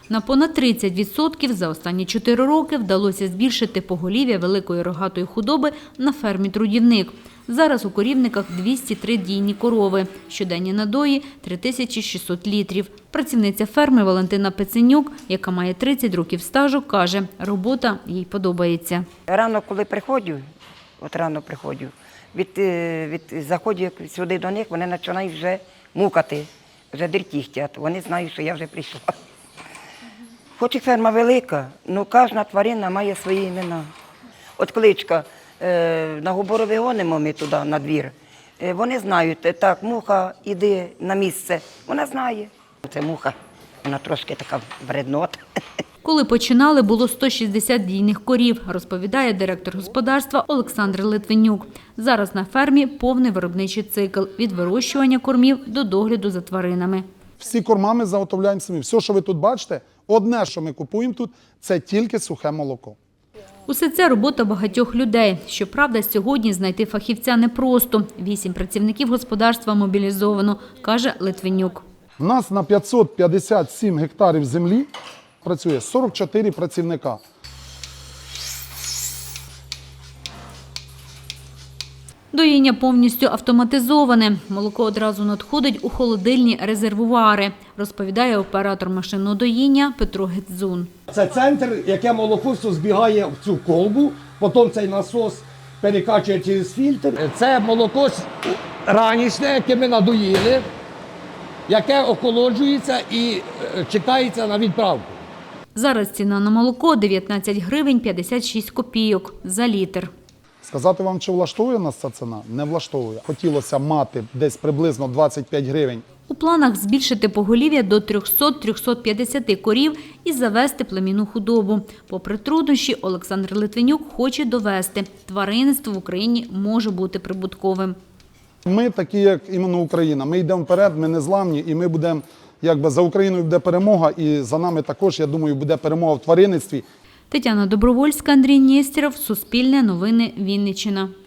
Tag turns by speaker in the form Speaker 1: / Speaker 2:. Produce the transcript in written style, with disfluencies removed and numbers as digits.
Speaker 1: На понад 30% за останні 4 роки вдалося збільшити поголів'я великої рогатої худоби на фермі «Трудівник». Зараз у корівниках 203 дійні корови, щоденні надої – 3600 літрів. Працівниця ферми Валентина Пеценюк, яка має 30 років стажу, каже, робота їй подобається.
Speaker 2: Рано, коли приходжу, від заходу сюди до них, вони починають вже мукати, вже дертіхтять. Вони знають, що я вже прийшла. Хоч і ферма велика, але кожна тварина має свої імена. От кличка, на Губорові гонимо ми туди, на двір. Вони знають, так, муха, іди на місце. Вона знає. Це муха, вона трошки така вреднота.
Speaker 1: Коли починали, було 160 дійних корів, розповідає директор господарства Олександр Литвинюк. Зараз на фермі повний виробничий цикл – від вирощування кормів до догляду за тваринами.
Speaker 3: Всі корма ми заготовляємо самі. Все, що ви тут бачите, одне, що ми купуємо тут, це тільки сухе молоко.
Speaker 1: Усе це робота багатьох людей. Щоправда, сьогодні знайти фахівця непросто. 8 працівників господарства мобілізовано, каже Литвинюк.
Speaker 3: У нас на 557 гектарів землі працює 44 працівника.
Speaker 1: Доїння повністю автоматизоване. Молоко одразу надходить у холодильні резервуари, розповідає оператор машинного доїння Петро Гетзун.
Speaker 4: Це центр, яке молоко збігає в цю колбу, потім цей насос перекачує через фільтр. Це молоко ранішнє, яке ми надоїли, яке охолоджується і чекається на відправку.
Speaker 1: Зараз ціна на молоко – 19 гривень 56 копійок за літр.
Speaker 3: Сказати вам, чи влаштовує нас ця ціна? Не влаштовує. Хотілося мати десь приблизно 25 гривень.
Speaker 1: У планах збільшити поголів'я до 300-350 корів і завести племінну худобу. Попри труднощі, Олександр Литвинюк хоче довести – тваринництво в Україні може бути прибутковим.
Speaker 3: Ми такі, як іменно Україна. Ми йдемо вперед, ми не зламні, і ми будемо, якби за Україною буде перемога, і за нами також, я думаю, буде перемога в тваринництві.
Speaker 1: Тетяна Добровольська, Андрій Нєстєров, Суспільне новини, Вінниччина.